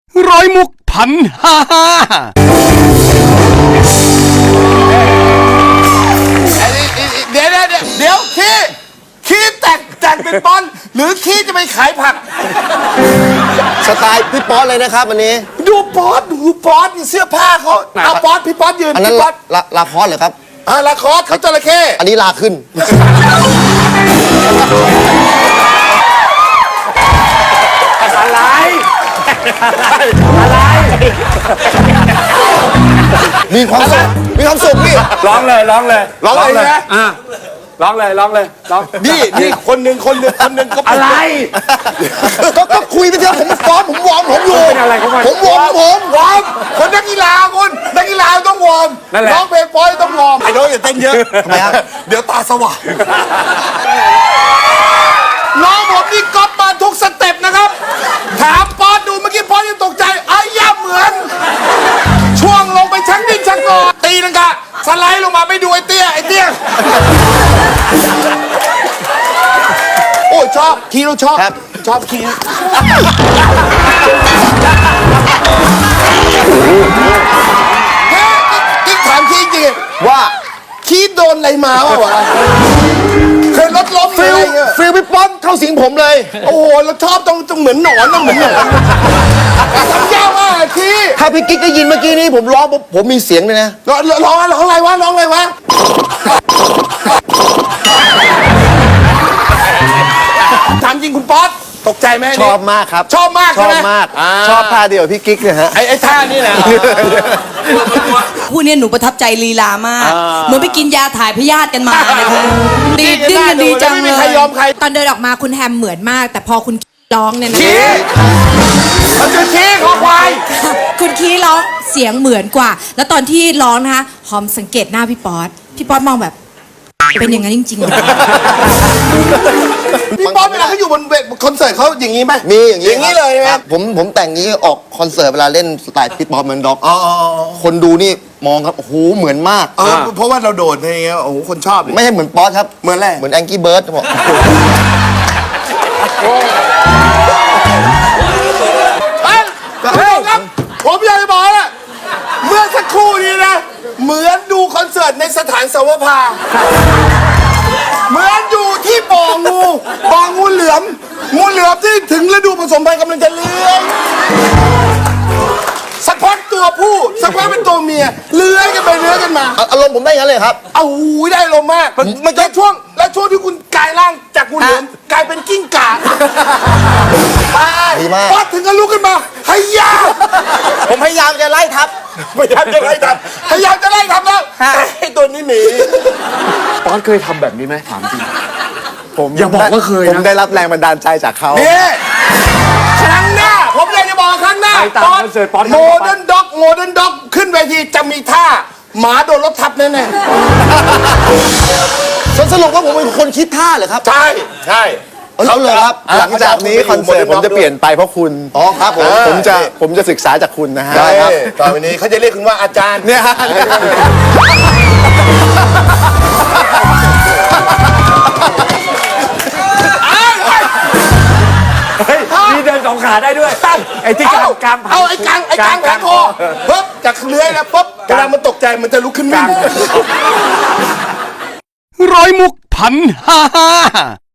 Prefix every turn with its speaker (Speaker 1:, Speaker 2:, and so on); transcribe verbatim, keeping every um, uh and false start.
Speaker 1: ร้อยมุกพันห้าห้า
Speaker 2: เดี๋ยวเดี๋ยวเดี๋ยวขี้ขี้แต่งแต่งเป็นปอนหรือขี้จะไปขายผัก
Speaker 3: สไตล์พี่ป๊อตเลยนะครับวันนี้
Speaker 2: ดูป๊อตดูป๊อตเสื้อผ้าเขาเอาป๊อตพี่ป๊อตยืน
Speaker 3: อันนั้น
Speaker 2: พี่ป๊อต
Speaker 3: ลาลาคอสเหรอครับ
Speaker 2: อ่าลาคอสเขาจระเข้
Speaker 3: อันนี้ลาขึ้น
Speaker 4: อะไรอะไร
Speaker 3: มีความสุขมีความสุขพี่
Speaker 4: ร้องเลยร้องเลย
Speaker 2: ร้องเลยนะ
Speaker 4: อ่ะร้องเลยร้องเลยร้อง
Speaker 2: นี่นี่คนหนึ่งคนหนึ่งคนหนึ่งก็
Speaker 4: อะไร
Speaker 3: ก็ก็คุยไปเถอะผมฟ้อมผมวอร์มผมอยู่
Speaker 4: เป็นอะไรของมัน
Speaker 3: ผมวอร์มผม
Speaker 2: วอร์มคนนักกีฬาคุณนักกีฬาต้องวอร์ม
Speaker 4: นั่นแหละ
Speaker 2: ร้องเพลงป๊อตต้องวอร์มไอ้น้องอย่าเต้นเยอะ
Speaker 3: ทำไมครับ
Speaker 2: เดี๋ยวตาสว่างน้องผมนี่ก๊อปมาทุกสเต็ปนะครับถามป๊อตดูเมื่อกี้ป๊อตยังตกใจไอ้ย่าเหมือน ช่วงลงไปชักดิ้นชักงอตีนังกะสไลด์ลงมาไม่ดูไอ้เตี้ยไอ้เตี้ยโอ้ยชอบคีเราชอบชอบคีเฮ้ยนี่ถามคีจริง
Speaker 3: ว่า
Speaker 2: คีโดนอะไรมาวะเคยรถล้มหรือ
Speaker 3: ฟิล
Speaker 2: อะไรเงี้ย
Speaker 3: ฟิลพี่ป๊อตเข้าสิงผมเลย
Speaker 2: โอ้โหเราชอบตรงตรงเหมือนหนอนต้องเหมือนหนอนทำยากมากอะคี
Speaker 3: ถ้าพี่กิ๊กได้ยินเมื่อกี้นี้ผมร้องผมผมมีเสียงเลยนะ
Speaker 2: ร้องร้องร้องอะไรวะร้องอะไรวะถามจริงคุณป๊อตตกใจไหม
Speaker 3: ชอบมากครับ
Speaker 2: ชอบมาก
Speaker 3: ช
Speaker 2: ใช่
Speaker 3: อบ
Speaker 2: ไหม
Speaker 3: มาก
Speaker 2: อ่า
Speaker 3: ชอบท่าเดียวพี่กิ๊กเนี่ยฮะ
Speaker 2: ไอ้ไอ้ท่านี่แหละ
Speaker 5: คู่เนี้ยหนูประทับใจลีลามาก เหมือนไปกินยาถ่ายพยาธิกันมานะคะดีดิ้นกันดีจัง
Speaker 2: ไม่
Speaker 5: เล
Speaker 2: มี
Speaker 5: ย
Speaker 2: ใครยอมใคร
Speaker 6: ตอนเดินออกมาคุณแฮมเหมือนมาก แต่พอคุณร้องเนี่ยนะ
Speaker 2: คีมันคือคีขอควาย
Speaker 6: คุณคีร้องเสียงเหมือนกว่า แล้วตอนที่ร้องนะคะหอมสังเกตหน้าพี่ป๊อตพี่ป๊อตมองแบบ เป็นอย่างนั้นจริงๆเหรอ
Speaker 2: พี่ป๊อปเวลาเขาอยู่บนเวทีคอนเสิร์ตเขาอย่างนี้ไหม
Speaker 3: มีอย่าง
Speaker 2: อย่างนี้เลยไหม
Speaker 3: ครับผมผมแต่งนี้ออกคอนเสิร์ตเวลาเล่นสไตล์พี่ป๊อตเหมือนด็อกคนดูนี่มองครับโอ้โหเหมือนมาก
Speaker 2: เออเพราะว่าเราโดดอะไรเงี้ยโอ้โหคนชอบเลย
Speaker 3: ไม่ใช่เหมือนป๊อตครับ
Speaker 2: เหมือนอะไร
Speaker 3: เหมือนแองกี้เบิร์ดบอก
Speaker 2: เฮ้ยคุณผู้ชมครับผมอยากจะบอกนะเมื่อสักครู่นี้นะ เหมือนดูคอนเสิร์ตในสถานสวภาเหมือนอยู่ที่บ่องูบ่องูเหลือมงูเหลือมที่ถึงฤดูผสมพันธุ์กำลังจะเลื้อยสักพักตัวผู้สักพักเป็นตัวเมียเลื้อยกันไปเลื้อยกันมา
Speaker 3: อารมณ์ผมได้งั้นเลยครับ
Speaker 2: เอาหูยได้ลมณ์มากมันจะช่วงแล้วช่วงที่คุณกลายร่างจากงูเหลือมกลายเป็นกิ้งก่า
Speaker 3: ดีมาก
Speaker 2: ป๊อดถึงก็ลุกขึ้นมาให้ยา
Speaker 3: ผมพยายามจะไล่ทับ
Speaker 2: พยายามจะไล่ทับพยายามจะไล่ทับแล้วแต่ไอ้ตัวนี้หนี
Speaker 4: ป๊อตเคยทำแบบนี้ไหมถามจริง
Speaker 3: ผม
Speaker 4: อย่าบอกว่าเคยนะ
Speaker 3: ผมได้รับแรงบันดาลใจจากเขา
Speaker 2: นี่ครั้งหน้าผมอยากจะบอกครั้งหน้า
Speaker 4: ไปตามคอนเสิร์ตป๊อต
Speaker 2: โมเดิร์นด็อกโมเดิร์นด็อกขึ้นเวทีจะมีท่าหมาโดนรถทับแน่
Speaker 3: สรุปว่าผมเป็นคนคิดท่าเหรอครับ
Speaker 2: ๆใช่ใช่
Speaker 3: เขาเลยครับ หลังจากนี้คอนเสิร์ตผมจะเปลี่ยนไปเพราะคุณ อ๋อครับผม ผมจะผมจะศึกษาจากคุณนะฮะ
Speaker 2: ได้ครับต่อไปนี้เขาจะเรียกคุณว่าอาจารย์
Speaker 3: เนี่ยฮะ
Speaker 4: เฮ้ยมีเดินสองขาได้ด้วยไอ้ที่กลางกลาง
Speaker 2: เอาไอ้กลางไอ้กลางแขนคอปุ๊บจากเลื้อยนะปุ๊บเวลามันตกใจมันจะลุกขึ้นวิ่ง
Speaker 1: ร้อยมุกพันห้าห้า